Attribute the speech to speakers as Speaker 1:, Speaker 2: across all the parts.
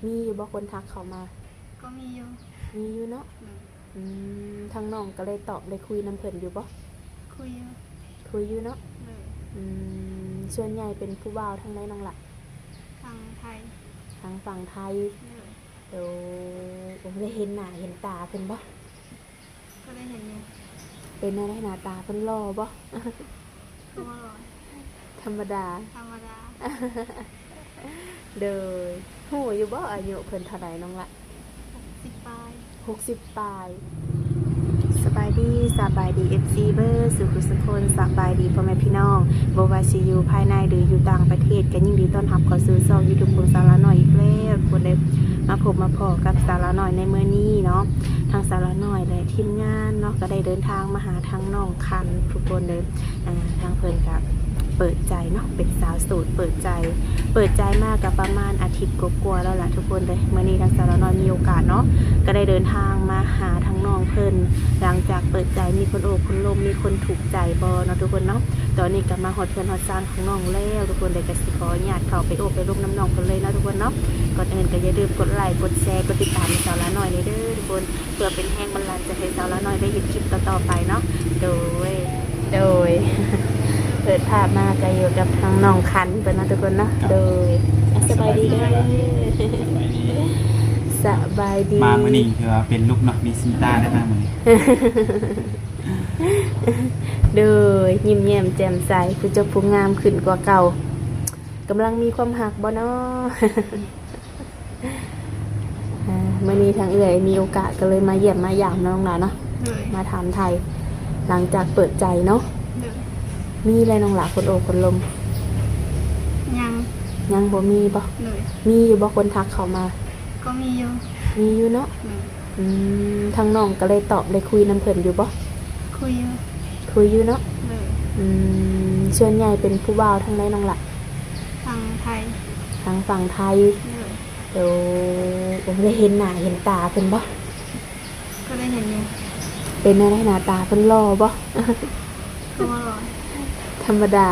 Speaker 1: มีอยู่บ่คนทักเข้ามา
Speaker 2: ก็มีอยู่
Speaker 1: มีอยู่เนาะทางน้องก็เลยตอบเลยคุยน้ำเพิ่นอยู่บ่
Speaker 2: คุยอยู่
Speaker 1: คุยอยู่เนาะส่วนใหญ่เป็นผู้บ่าวทางไหนน้องล่ะ
Speaker 2: ทางไทย
Speaker 1: ทางฝั่งไทยเดี๋ยวผมได้เห็นหน้าเห็นตาเพิ่นบ่
Speaker 2: ก็ได้เห็นอยู่
Speaker 1: เป็นอะไรหน้าตาเพิ่นหล่อบ่
Speaker 2: ก็ว่าหล่อ
Speaker 1: ธรรมดาเด้อฮู้อยู่บ่อายุเพิ่นเท่าใดน้องล่ะ
Speaker 2: 60ปลาย
Speaker 1: 60ปลายสบายดี FC เบอร์สุขสุคนสบายดีพ่อแม่พี่น้องบ่ว่าสิอยู่ภายในหรืออยู่ต่างประเทศก็ยินดีต้อนรับเข้าสู่ช่อง YouTube ของสาวละน้อยอีกแล้วคนได้มาพบมาพอกับสาวละน้อยในมื้อนี้เนาะทางสาวละน้อยและทีมงานเนาะก็ได้เดินทางมาหาทางน้องคันทุกคนเลยทางเพิ่นก็เปิดใจเนาะเป็นสาวโสดเปิดใจมากกับประมาณอาทิตย์กว่าๆแล้วล่ะทุกคนเลยมื้อนี้ทางสาวละน้อยมีโอกาสเนาะก็ได้เดินทางมาหาทางน้องเพิ่นหลังจากเปิดใจมีคนโอบคนลมมีคนถูกใจบ่เนาะทุกคนเนาะตอนนี้ก็มาฮอดเพื่อนฮอดซานของน้องแล้วทุกคนเลยก็สิขออนุญาตเข้าไปโอบไปลมน้ำน้องกันเลยเนาะทุกคนเนาะก่อนอื่นก็อย่าลืมกดไลค์กดแชร์กดติดตามสาวละน้อยนี่เด้อทุกคนเพื่อเป็นแรงบันดาลใจให้สาวละน้อยได้เห็นคลิปต่อๆไปเนาะโดยเปิดภาพมาก็อยู่กับทางน้องคันเป็นนะทุกคนเนาะโดยสบายดีด้วยสบายดี
Speaker 3: มาเมื่อนี้คือว่าเป็นลูกนกนิสิตาได้มากมือ
Speaker 1: โดยยิ้มแย้มแจ่มใสผู้เจ้าผู้งามขึ้นกว่าเก่ากำลังมีความหักบ่เนาะเมื่อนี้ทางเอื่อยมีโอกาสก็เลยมาเยี่ยมมาหยามน้องหลานเนาะมาถามไทยหลังจากเปิดใจเนาะมีอะไรน้องหลานคนโอคนลมยังบ่มีบ่มีอยู่บ่คนทักเข้ามา
Speaker 2: ก็มีอยู่
Speaker 1: เนาะทางน้องก็เลยตอบเลยคุยน้ำเพิ่นอยู่บ่
Speaker 2: คุย
Speaker 1: อยู่เนาะส่วนใหญ่เป็นผู้บ่าวทางไหนน้องล่ะ
Speaker 2: ทางไทย
Speaker 1: ทางฝั่งไทยเดี๋ยวผมได้เห็นหน้าเห็นตาเพิ่นบ่
Speaker 2: ก็ได้เห็นอยู่
Speaker 1: เป็นอะไรหน้าตาเพิ่นหล่อบ่
Speaker 2: ก็ว่าหล่อ
Speaker 1: ธรรมดา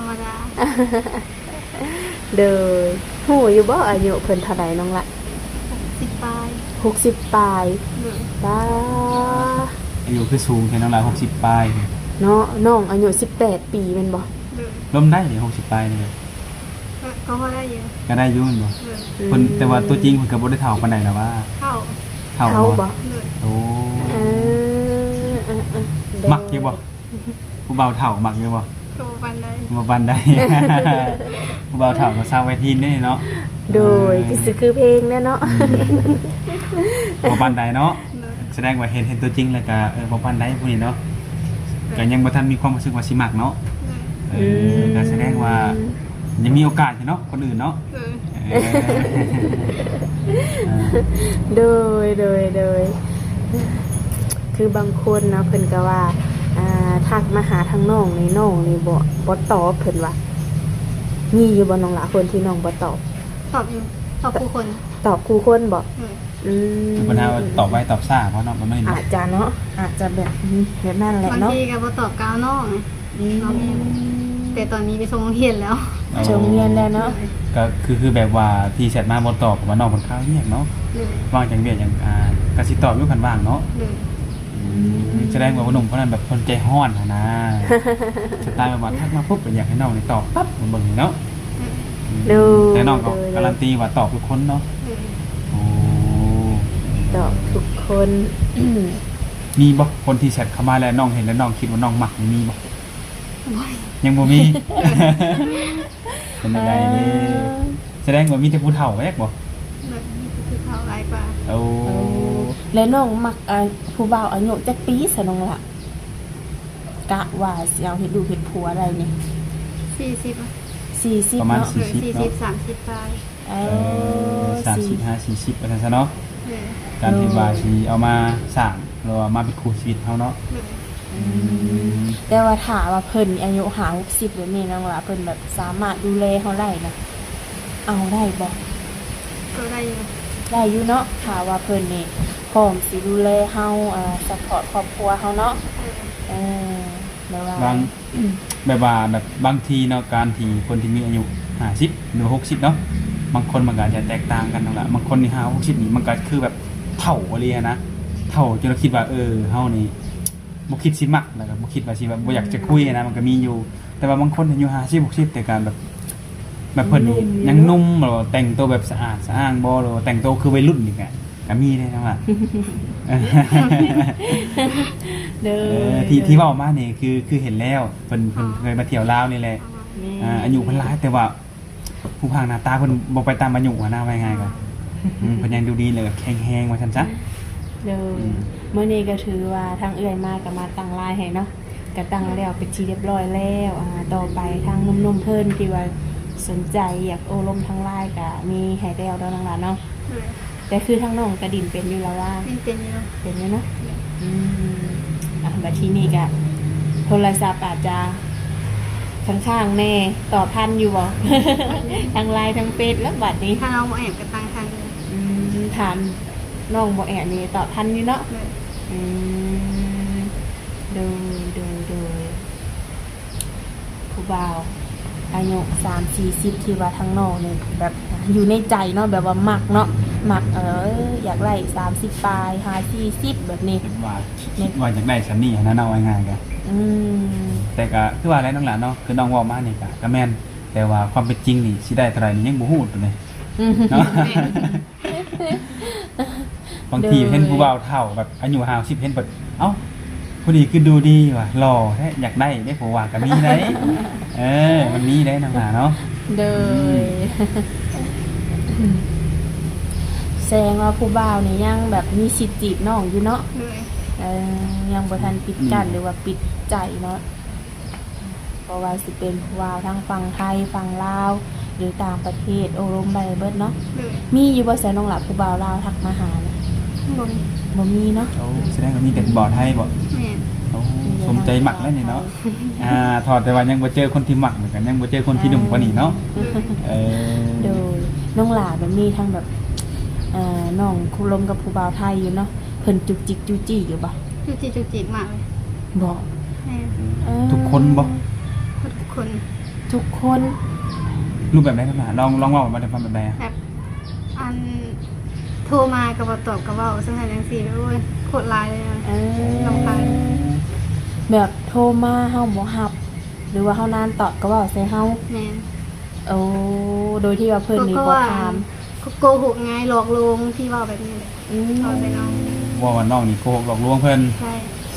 Speaker 1: เด้อฮู้อยู่บ่อายุเพิ่นเท่าใดน้องล่ะ
Speaker 2: 60ปลาย
Speaker 1: 60ปลายป้า
Speaker 3: อายุคือสูงแค่น้องลาย60ปลาย
Speaker 1: เนาะน้องอายุ18ปีแม่นบ่
Speaker 3: ล้มได้เลย60ปลายนี่
Speaker 2: ก็พอได้อยู่
Speaker 3: ก็ได้อยู่แม่นบ่คนแต่ว่าตัวจริงเพิ่นก็บ่ได้เฒ่าปานใดแล้วว่าเฒ่าบ่โอ้มักอยู่บ่ผู้บ่าวเฒ่ามักอยู่บ่
Speaker 2: ตัวปันได้
Speaker 3: ผู้บ่าวเฒ่าก็สร้างไว้ทีนได้เนาะ
Speaker 1: โดยคือเพลงเนาะ
Speaker 3: บ่ปันใดเนาะแสดงว่าเห็นตัวจริงแล้วก็บ่ปันใดผู้นี้เนาะก็ยังบ่ทันมีความรู้สึกว่าสิมักเนาะก็แสดงว่ายังมีโอกาสอยู่เนาะคนอื่นเนาะ
Speaker 1: โดยคือบางคนเนาะเพิ่นก็ว่าทักมาหาทางน้องนี่บ่ตอบเพิ่นว่ามีอยู่บ่น้องหลาคนที่น้องบ่ตอบ
Speaker 2: อยู่ตอบคู่คน
Speaker 1: บ่
Speaker 3: ปัญหาตอบไว้ตอบซ่าเพราะเนาะมันไม่
Speaker 1: อาจจะเนาะอาจจะแบบนั่นแหละเนาะ
Speaker 2: บางทีก็บ่ตอบกาวน้องแต่ตอนนี้ไปส่งโรงเรียนแล้ว
Speaker 1: เนาะ
Speaker 3: ก็คือแบบว่าที่แชทมาบ่ตอบว่าน้องคนข้าวเงียบเนาะว่างจังเวียอย่างก็สิตอบอยู่คันว่างเนาะแสดงว่าหนุ่มคนนั้นแบบคนใจห้อนนะสไตล์แบบว่าทักมาปุ๊บอยากให้น้องนี่ตอบปั๊บเหมือนเบิ่งเนาะแต่น้องก็การันตีว่าตอบทุกคนเนาะ
Speaker 1: ตอบทุกคน
Speaker 3: มีบ่คนที่แชทเข้ามาแล้วน้องเห็นแล้วน้องคิดว่าน้องมักมีบ่ยังบ่มีเป็นอะไรนี่แสดงว่ามีแต่ผู้เฒ่าแยกบ่
Speaker 2: ผู้เฒ่าหลายกว่า
Speaker 1: แล้วน้องมักผู้บ่าวอายุจักปีซะน้องล่ะกะว่าสิเอาเฮ็ดลูกเฮ็ดผัวอะไรนี่40
Speaker 3: ประมาณ
Speaker 2: 40 30ปลาย
Speaker 3: 35 40ประมาณซะเนาะการที่ว่าสิเอามาสร้างหรือว่ามาเป็นคู่ชีวิตเฮาเนาะ
Speaker 1: แต่ว่าถามว่าเพิ่นอายุ60แบบนี้น้องล่ะเพิ่นแบบสามารถดูแลเฮาได้นะเอาได้บ่
Speaker 2: ก็ได้
Speaker 1: อยู่เนาะถามว่าเพิ่นนี่พร้อมสิดูแลเฮาซัพพอร์ตครอบครัวเฮาเนาะ
Speaker 3: แบบว่าแบบบางทีเนาะการที่คนที่มีอายุ50หรือ60เนาะบางคนมันก็อาจจะแตกต่างกันนั่นแหละบางคนนี่50-60นี่มันก็คือแบบเฒ่าบ่เลยนะเฒ่าจนเราคิดว่าเฮานี่บ่คิดสิมักแล้วก็บ่คิดว่าสิแบบบ่อยากจะคุยนะมันก็มีอยู่แต่ว่าบางคนอายุ50-60แต่การแบบเพิ่นนี่ยังหนุ่มหรอแต่งตัวแบบสะอาดสะอ้างบ่หรอแต่งตัวคือวัยรุ่นนี่ก็มีได้นะว่า
Speaker 1: เด้อ
Speaker 3: ที่เว้ามานี่คือเห็นแล้วเพิ่นเคยมาเที่ยวลาวนี่แหละอายุเพิ่นหลายแต่ว่าผู้พางหน้าตาเพิ่นบ่ไปตามอายุนะว่าง่ายๆก็เพิ่นยังดูดีเลยแข็งแรงว่าซั่นซะ
Speaker 1: เด้อมื้อนี้ก็ถือว่าทางเอื้อยมาก็มาตั้งไลน์ให้เนาะก็ตั้งแล้วเป็นที่เรียบร้อยแล้วต่อไปทางหนุ่มๆเพิ่นที่ว่าสนใจอยากโอ้ลมทางไลน์ก็มีให้แล้วดอกหลานเนาะแต่คือทางน้องกระดิ่นเป็นอยู่แล้วว่า
Speaker 2: เป็นอยู่
Speaker 1: เป็นอยู่เนาะบัดทีนี้ก็โทรศัพท์อาจจะข้างๆแน่ต่อพันอยู่บ่ ทางไลน์ทางเฟซแล้วบัดนี้
Speaker 2: ถ้าเราบ่แอบกันตั้งทางเลย
Speaker 1: ถามน้องบ่แอบนี่ต่อพันอยู่เนาะ
Speaker 2: เลย
Speaker 1: ดูผู้บ่าวอายุ30-40ที่ว่าทางน้องนี่แบบอยู่ในใจเนาะแบบว่ามักเนาะมักอยากไล่30ปลาย40แบบนี้
Speaker 3: คิดว่าอยากได้ซันนี่นะเอาง่ายๆก็แต่ก็คือว่าอะไรน้องหลานเนาะคือน้องเว้ามานี่ก็แม่นแต่ว่าความเป็นจริงนี่สิได้เท่าไหร่นี่ยังบ่ฮู้ตัวนี้เนาะ บางทีเห็นผู้บ่าวเฒ่าแบบอายุ50เห็นแบบเอ้าผู้นี้คือดูดีว่ะหล่อแท้อยากได้ผู้ว่าก็มีได้ มันมีได้น้องหลานเนาะ
Speaker 1: เด้อแสดงว่าผู้บ่าวนี่ยังแบบมีสิทธิ์จีบน้องอยู่เนาะ
Speaker 2: เลย
Speaker 1: ยังบ่ทันปิดกั้นหรือว่าปิดใจเนาะเพราะว่าสิเป็นผู้บ่าวทั้งฝั่งไทยฝั่งลาวหรือต่างประเทศโอรมใบเบิดเนาะ
Speaker 2: เลย
Speaker 1: มีอยู่บ่แสนน้องหลับผู้บ่าวลาวทักมาหาเนี่ย
Speaker 2: บ่มี
Speaker 1: บ่มีเนาะ
Speaker 3: โอ้แสดงว่ามีแต่บ่อไทยบ่
Speaker 2: แม่น
Speaker 3: โอ้สมใจหมักแล้วนี่เนาะถอดแต่ว่ายังบ่เจอคนที่หมักเหมือนกันยังบ่เจอคนที่หนุ่มกว่านี้เนาะ
Speaker 1: โดยน้องหลาแบบมีทั้งแบบน้องคุลมกับผู้บ่าวไทยอยู่เนาะเพิ่นจุกจิกจูจี้อยู่บ่
Speaker 2: จุกจิกมากเลย
Speaker 1: บ่
Speaker 2: แม่น
Speaker 3: ทุกคนบ่
Speaker 2: ทุกคน
Speaker 1: ทุกคน
Speaker 3: รูปแบบไหนครับลองเว้ามาได้ฟังแบบใด
Speaker 2: แบบอันโทรมาก็บ่ตอบก็เว้าซั่นจังซี่โอ้ยโคตรหลายเลยนะ รำคาญ
Speaker 1: แบบโทรมาเฮาบ่รับหรือว่าเฮานานตอบก็เว้าใส่เฮา
Speaker 2: แม่น
Speaker 1: โอ้โดยที่ว่าเพิ่นนี่บ่ถาม
Speaker 2: ก็โกหกไงหลอกลวงที่เว้าแบบนี้แหละเอาใส่น้อง
Speaker 3: ว่าน้องนี่โกหกหลอกลวงเพิ่น
Speaker 2: ใช่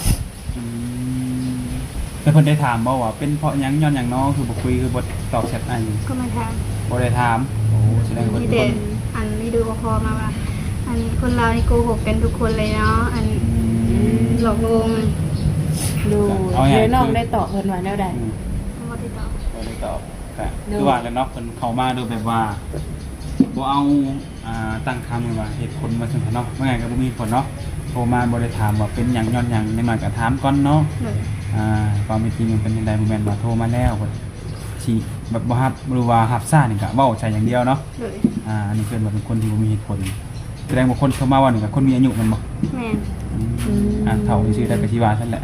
Speaker 3: แต่เพิ่นได้ถามบ่ว่าเป็นเพราะหยังย้อนหยังน้องคือบ่คุยคือบ่ตอบแชทอัน
Speaker 2: ก็มาถาม
Speaker 3: บ่ได้ถามโอ้แสดงว่า
Speaker 2: มี
Speaker 3: เพิ่น
Speaker 2: แต่อันนี้ดูพอมาว่า อันคนเรานี่โกหกกันทุกคนเลยเนาะอันหลอกลวง
Speaker 1: ดูเดี๋ยวน้องได้ตอบเพิ่นว่าแนวใด
Speaker 2: บ่ได้ตอบ
Speaker 3: บ่ได้ตอบแต่คือว่าแล้วเนาะเพิ่นเข้ามาโดยแบบว่าบ่เอาตั้งคำว่าเหตุผลมาถึงเนาะว่าไงก็บ่มีผลเนาะโทรมาบ่ได้ถามว่าเป็นหยังย้อนหยังนิดหน่อยก็ถามก่อนเนาะ
Speaker 2: เลย
Speaker 3: ความเป็นจริงมันเป็นจังได๋บ่แม่นว่าโทรมาแล้วก็สิแบบบ่รับหรือว่ารับซ่านี่ก็เว้าใช่อย่างเดียวเนาะ
Speaker 2: เลย
Speaker 3: อันนี้เพิ่นว่าเป็นคนที่บ่มีเหตุผลแสดงว่าคนเข้ามาว่านี่ก็คนมีอายุแมันบ่
Speaker 2: แม่น
Speaker 3: เฒ่าซื่อๆได้ก็สิว่าซั่นแหละ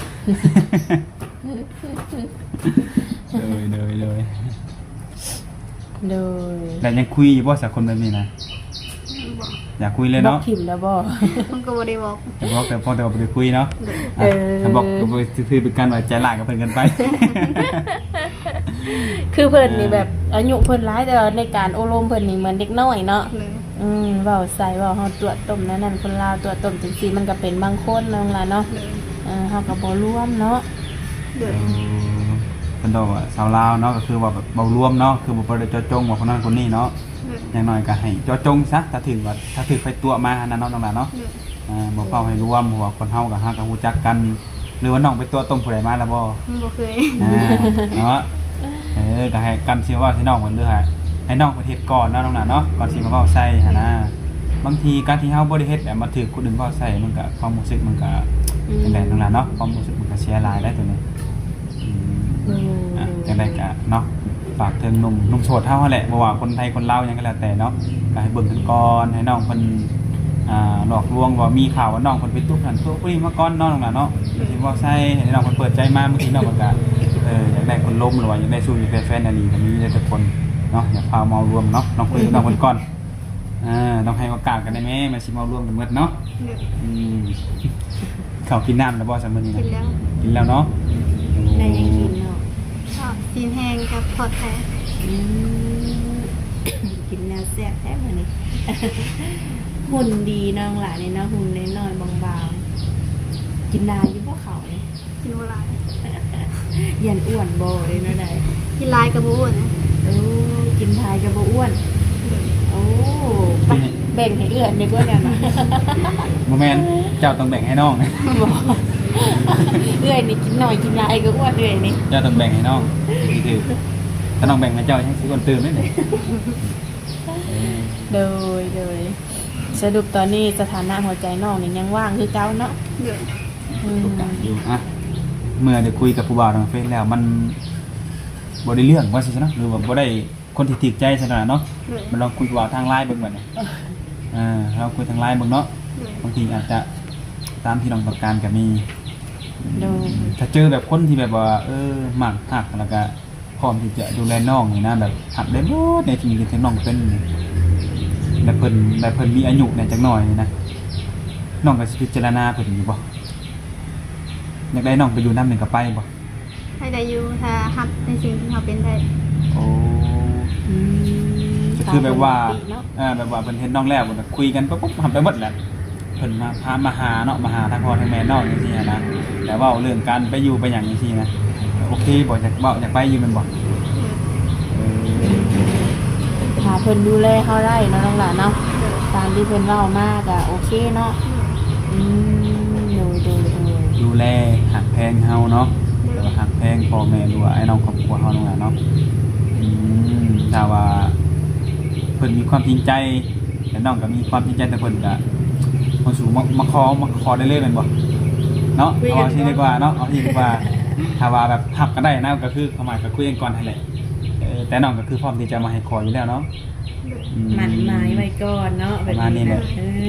Speaker 3: เลย
Speaker 1: โดย
Speaker 3: แต่ยังคุยอยู่บ่สักคนแบบนี้นะ
Speaker 2: บอก
Speaker 3: อยากคุยเลย
Speaker 1: บอก
Speaker 3: เนาะ
Speaker 1: ถิ่มแล้วบ่
Speaker 2: มันก็บ่ได้บอก
Speaker 3: แต่บอกแต่พอแต่ว่าบ่ได้คุยเนาะ
Speaker 1: เออ
Speaker 3: ถ้าบอกก็บ่คือเป็นการว่าใจร้ายกับเพิ่นกันไป
Speaker 1: คือเพิ่นนี่แบบอายุเพิ่นหลายแต่ว่าในการโอารมณ์เพิ่นนี่เหมือนเด็กน้อยเนาะ
Speaker 2: เลย
Speaker 1: เว้าใส่เว้าเฮาตัวต้มนั่นคนลาวตัวต้มจังซี่มันก็เป็นบางคนน้องล่ะเนาะ
Speaker 2: เลย
Speaker 1: เฮาก็บ่ร่วมเนาะ
Speaker 2: เลย
Speaker 3: เพิ่นบอกว่าสาวลาวเนาะก็คือว่าแบบเบารวมเนาะคือบ่ได้เจาะจงว่าคนนั้นคนนี้เนาะ
Speaker 2: เลย
Speaker 3: อย่างน้อยก็ให้เจาะจงซะถ้าถึงไปตัวมาอันนั้นเนาะน้องหลานเนาะ
Speaker 2: เลย
Speaker 3: บ่เฝ้าให้รวมเพราะว่าคนเฮากับเฮาก็ฮู้จักกัน หรือว่าน้องไปตัวต้มผู้ใดมาแล้วบ่
Speaker 2: มันบ่เคย
Speaker 3: เนาะก็ให้กันสิว่าให้น้องเพิ่นเด้อให้น้องเพิ่นเฮ็ดก่อนเนาะน้องหลานเนาะก่อนสิมาเว้าใส่หั่นนะบางทีการที่เฮาบ่ได้เฮ็ดแบบมาถูกคนอื่นเว้าใส่มันก็ความรู้สึกมันก็จังได๋น้องหลานเนาะความรู้สึกมันก็เสียหลายได้ตัวนี้จังได๋ก็เนาะฝากถึงหนุ่มโสดเฮาแหละบ่ว่าคนไทยคนลาวหยังก็แล้วแต่เนาะก็ให้เบิ่งกันก่อนให้น้องเพิ่นหลอกลวงว่ามีข่าวว่าน้องเพิ่นไปตุ๊กนั่นตุ๊กนี่มาก่อนเนาะน้องหลานเนาะสิเว้าใส่ให้น้องเพิ่นเปิดใจมาบางทีน้องเพิ่นก็อยากได้คนล้มหรือว่าอยากได้สู้อยากได้แฟนอันนี้ก็มีได้ทุกคนเนาะอย่าพามารวมเนาะน้องคุยกับน้องคนก่อนต้องให้โอกาสกันได้ไหมมันสิมารวมกันหมดเนาะเขากินน้ำแล้วบ่ซัมมื้อนี้นะกินแล้วเนาะ
Speaker 1: ได้ยังกินเนาะ
Speaker 2: ชอบซีนแห้งกับทอดแท้
Speaker 1: กินแนวแซ่บแท้มื้อนี้ หุ่นดีน้องหลานนี่เนาะหุ่นน้อยๆบางๆกินได้อยู่บ่เขานี่
Speaker 2: กินโบราณ
Speaker 1: ยันอ้วนบ่เลยเนาะได้
Speaker 2: กินลายกระบูนะ
Speaker 1: โอ้กินทายก็บ่อ้วนโอ้ไปแบ่งให้เอื้อนดีกว่ากันนะ
Speaker 3: บ่แม่นเจ้าต้องแบ่งให้น้อง
Speaker 1: บ่เอื้อยนี่กินหน่อยกินหลายก็อ้วนเอื้อยนี่
Speaker 3: เจ้าต้องแบ่งให้น้องนี่คือถ้าน้องแบ่งให้เจ้ายังสิคนตื่นได้เลย
Speaker 1: โดยสรุปตอนนี้สถานะหัวใจน้องนี่ยังว่างคือเก่าเนาะ
Speaker 2: เดือด
Speaker 3: ถูกต้องอยู่เมื่อได้คุยกับผู้บ่าวทางเฟซแล้วมันบ่ได้เรื่องว่าสิซะเนาะหรือว่าบ่ได้คนที่ถูกใจซะเนาะ
Speaker 2: เดือด
Speaker 3: มันลองคุยกับทางไลน์เบิ่งบัดนี้เราคุยทางไลน์เบิ่งเนาะ
Speaker 2: เดือด
Speaker 3: บางทีอาจจะตามที่น้องต้องการก็มี
Speaker 1: โดย
Speaker 3: ถ้าเจอแบบคนที่แบบว่ามักหักแล้วก็พร้อมที่จะดูแลน้องนี่นะแบบหักได้หมดในที่ที่น้องเป็นแล้วเพิ่นมีอายุเนี่ยจักหน่อยนี่นะน้องก็สิพิจารณาเพิ่นอยู่บ่อยากได้น้องไปอยู่นำหนึงก็ไปบ่
Speaker 2: ให้ได้อยู่ถ้าฮับในสิ่งที่เขาเป็นได้
Speaker 3: โอ้
Speaker 1: อืม
Speaker 3: ก็คือแบบว่า
Speaker 1: เนาะ
Speaker 3: แบบว่าเพิ่นเห็นน้องแล้วเพิ่นก็คุยกันปุ๊บทำไปหมดแหละเพิ่นมาพามาหาเนาะมาหาทางพ่อทางแม่น้องจังซี่นะแต่เว้าเรื่องการไปอยู่ไปหยังจังซี่นะโอเคบ่อยากเว้าอยากไปอยู่แม่นบ่
Speaker 1: ถ้าเพิ่นดูแลเฮาได้เนาะน้องหลานเนาะตามที่เพิ่นเว้ามากอ่ะโอเคเนาะอืมโดย
Speaker 3: ดูแลหักแพงเฮาเนาะแต่ว่าหักแพงพ่อแม่หรือว่าไอ้น้องครอบครัวเฮานั่นแหละเนาะถ้าว่าเพิ่นมีความจริงใจแต่น้องก็มีความจริงใจแต่เพิ่นก็มาสู่มาขอได้เลยแม่นบ่เนาะเอาที่ดีกว่าเนาะเอาที่ดีกว่าถ้าว่าแบบหักกันได้นะก็คือความหมายก็คุยกันก่อนนั่นแหละแต่น้องก็คือพร้อมที่จะมาให้ขออยู่แล้วเนาะ
Speaker 1: หมั่นหมายไว้ก่อนเนาะแบบนี้นะ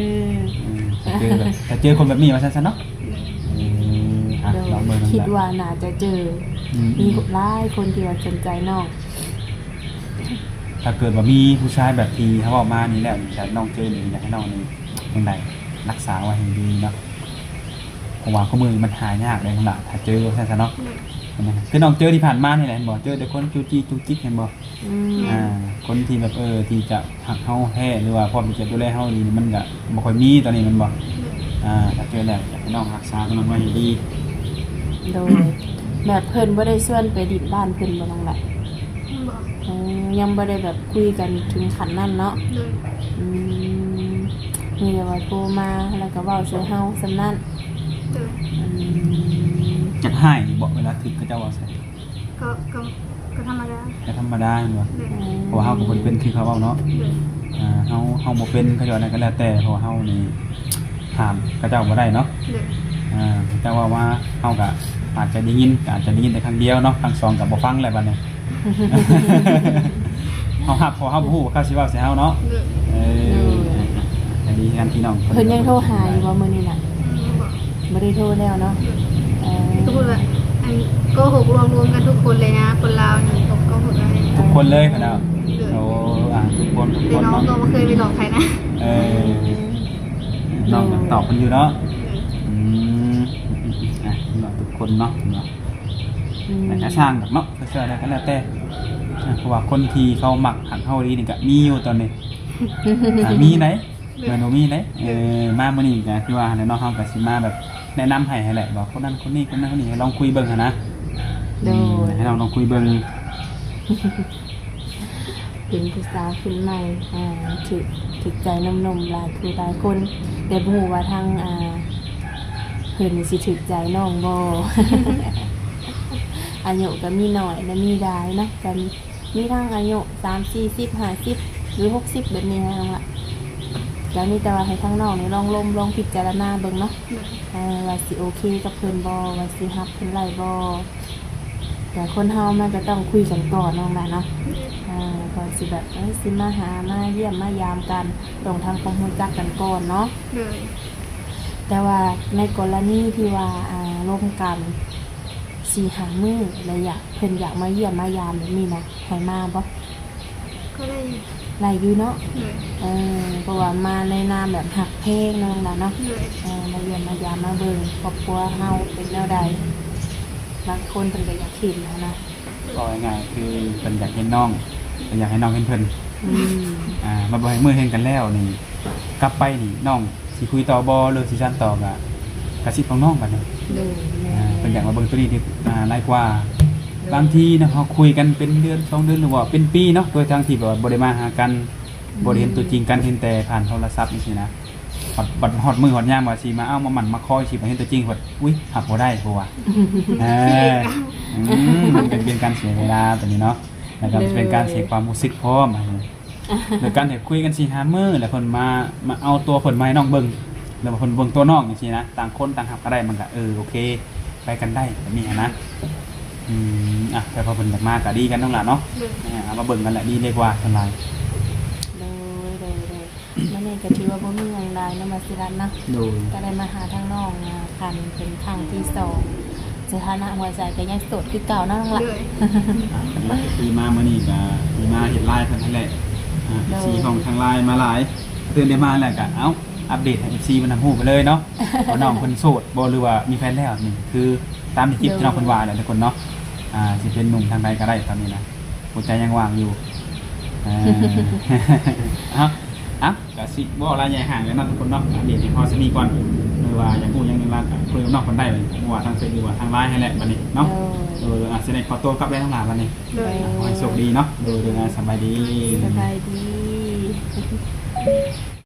Speaker 3: ถ้าเจอคนแบบนี้มาสั้นๆเนาะลองเบิ่ง
Speaker 1: คิดว่าน่าจะเจอมีหลายคนที่ว่าสนใจน้อง
Speaker 3: ถ้าเกิดว่ามีผู้ชายแบบที่เขาบอกมานี่แหละแต่น้องเจอนี่อยากให้น้องนี่ยังไงรักษาไว้ให้ดีเนาะผมว่าข้อมือมันหายากเลยข้างหลังถ้าเจอสั้นๆเนาะคือน้องเจอที่ผ่านมานี่แหละบอกเจอแต่คนจูจี้จุกจิกเห็นบอกคนที่แบบที่จะหักเฮาแท้หรือว่าพร้อมที่จะดูแลเฮาดีมันก็บ่ค่อยมีตอนนี้มันบอกถ้าเจอแล้วอยากให้น้องรักษาตรงนั้นไว้ให้ดี
Speaker 1: โดยแบบเพิ่นบ่ได้ชวนไปดิบบ้านเพิ่นบ่น้องแหละ
Speaker 2: บอก
Speaker 1: ยังบ่ได้แบบคุยกันถึงขั้นนั้นเนาะ
Speaker 2: เดือด
Speaker 1: มีแต่ว่าโทรมาแล้วก็เว้าใส่เฮาซำนั้น
Speaker 2: เดือด
Speaker 3: จักให้บอกเวลาถึงก็จะว่าใส่
Speaker 2: ก็ธรรมดา
Speaker 3: ก็ธรรมดาเนาะ
Speaker 2: เดือด
Speaker 3: เพราะเฮาก็บ่เป็นคือเขาเว้าเนาะ
Speaker 2: เดือด
Speaker 3: เฮาบ่เป็นเขาจะอะไรก็แล้วแต่เพราะเฮานี่ถามเขาเจ้าบ่ได้เนาะ
Speaker 2: เดือด
Speaker 3: แต่ว่าเฮาก็อาจจะได้ยินแต่ครั้งเดียวเนาะครั้งสองก็บ่ฟังแล้วบัดนี้ เฮาฮับพอเฮาบ่ฮู้ว่าเขาสิเว้าใส่เฮาเนาะ
Speaker 2: เดือด
Speaker 3: อันนี้กันพี่น้อง
Speaker 1: เพิ่นยังโทรหาอยู่บ่มื้อนี้น่ะ
Speaker 2: บอก
Speaker 1: บ่ได้โทรแล้วเนาะ
Speaker 2: ก็พูดว่าอันโกหกรวมกันทุกคนเลยนะคนลาวนี่ตกโกหกอะไร
Speaker 3: ทุกคนเลยค่ะเนาะ
Speaker 2: เดือด
Speaker 3: โอ้ทุกคน
Speaker 2: แต่น้องก็ไม่เคยไปหลอกใครนะ
Speaker 3: น้องตอบมันอยู่เนาะน้องทุกคนเนาะแต่ก็ช่างแบบเนาะก็เชื่อได้ก็แล้วแต่เพราะว่าคนที่เขาหมักหักเฮาดีนี่ก็มีอยู่ตอนนี้มีไหนแม่นบ่มีไหนมามื้อนี้ก็คือว่าเนาะเฮาก็สิมาแบบแนะนำให้แหละว่าคนนั้นคนนี้คนนั้นคนนี้ให้ลองคุยเบิ่งหั่นนะให้เราลองคุยเบิ่ง
Speaker 1: เป็นผู้สาวขึ้นใหม่ถึกใจนมหลายคือหลายคนแต่บ่ฮู้ว่าทางเพิ่นสิถึกใจน้องบ่ อายุก็มีน้อยและมีหลายเนาะกันมีทั้งอายุ30 40 50หรือ60แบบนี้นะน้องล่ะแล้วนี่แต่ว่าให้ทั้งน้องนี่ลองพิจารณาเบิ่งเนาะว่าสิโอเคกับเพิ่นบ่ว่าสิรับเพิ่นไล่บ่แต่คนเฮามันก็ต้องคุยกันก่อนน้องล่ะเนาะก่อนสิแบบสิมาหามาเยี่ยมมายามกันต้องทำความรู้จักกันก่อนเนาะ
Speaker 2: เดือด
Speaker 1: แต่ว่าในกรณีที่ว่าร่วมกัน4-5 มื้อแล้วเพิ่นอยากมาเยี่ยมมายามแบบนี้นะให้มาบ่
Speaker 2: ก็ได้
Speaker 1: หลายอยู่เนาะ
Speaker 2: เลย
Speaker 1: เพราะว่ามาในนามแบบหักเพลงน้องล่ะเนาะ
Speaker 2: เลย
Speaker 1: มาเยี่ยมมายามมาเบิ่งครอบครัวเฮาเป็นแนวใดบางคนเพิ่นก็อยากเห็นนะ
Speaker 3: ก็ง่ายๆคือเพิ่นอยากเห็นน้องเพิ่นอยากให้น้องเห็นเพิ่น
Speaker 1: อืม
Speaker 3: มาบ่ให้มือเห็นกันแล้วนี่กลับไปนี่น้องสิคุยต่อบ่หรือสิซั่นต่อก็กระซิบของน้องบัดนี้
Speaker 1: เลยแม่
Speaker 3: เพิ่นอยากมาเบิ่งตัวนี้ที่หลายกว่าบางทีนะเฮาคุยกันเป็นเดือน2เดือนหรือว่าเป็นปีเนาะโดยทางที่แบบว่าบ่ได้มาหากันบ่ได้เห็นตัวจริงกันเห็นแต่ผ่านโทรศัพท์จังซี่นะบัดฮอดมือฮอดยามว่าสิมาเอามาหมั่นมาคอยสิมาเห็นตัวจริงว่าอุ๊ยหักบ่ได้เพราะว่ามันเป็นการเสียเวลาตัวนี้เนาะแล้วก็เป็นการเสียความรู้สึกพร้อมโดยการที่คุยกัน4 5มื้อแล้วเพิ่นมาเอาตัวเพิ่นมาให้น้องเบิ่งแล้วเพิ่นเบิ่งตัวน้องจังซี่นะต่างคนต่างหักก็ได้มันก็โอเคไปกันได้แบบนี้นะแต่พอเพิ่นอยากมาก็ดีกันทั้งหลายเนาะเอามาเบิ่งกันแหละดีเลยกว่าเท่าไหร่
Speaker 1: เลยมื้อนี้ก็ถือว่าบ่มีหยังหลายเนาะมาสิรัตน์เนาะ
Speaker 3: ดู
Speaker 1: ก็ได้มาหาทางน้องคันเป็นครั้งที่2สถานะหัวใจก็ยังโสดคือเก่าเนาะน้องล่ะ
Speaker 2: เลย
Speaker 3: คือมามื้อนี้ก็มีมาเฮ็ดไลฟ์เพิ่นนั่นแหละFC ของทางไลน์มาหลายตื่นได้มาแล้วก็อัปเดตให้ FC มันฮู้ไปเลยเนาะว่าน้องเพิ่นโสดบ่หรือว่ามีแฟนแล้วนี่คือตามที่คลิปที่น้องเพิ่นว่าแหละทุกคนเนาะสิเป็นหนุ่มทางใดก็ได้ตอนนี้นะหัวใจยังว่างอยู่ก็สิบ่อะไรใหญ่ห่างกันเนาะทุกคนเนาะอัปเดตให้พอสิมีก่อนหรือว่าอยากฮู้หยังนึงว่าก็คุยกับน้องเพิ่นได้เลยบ่ว่าทางเฟซหรือว่าทางไลน์ให้แหละบัดนี้เนาะสิได้ขอตัวกลับได้ทั้งหลายวันนี้
Speaker 2: เลย
Speaker 3: ขอให้โชคดีเนาะดูสบายดี
Speaker 1: สบายดี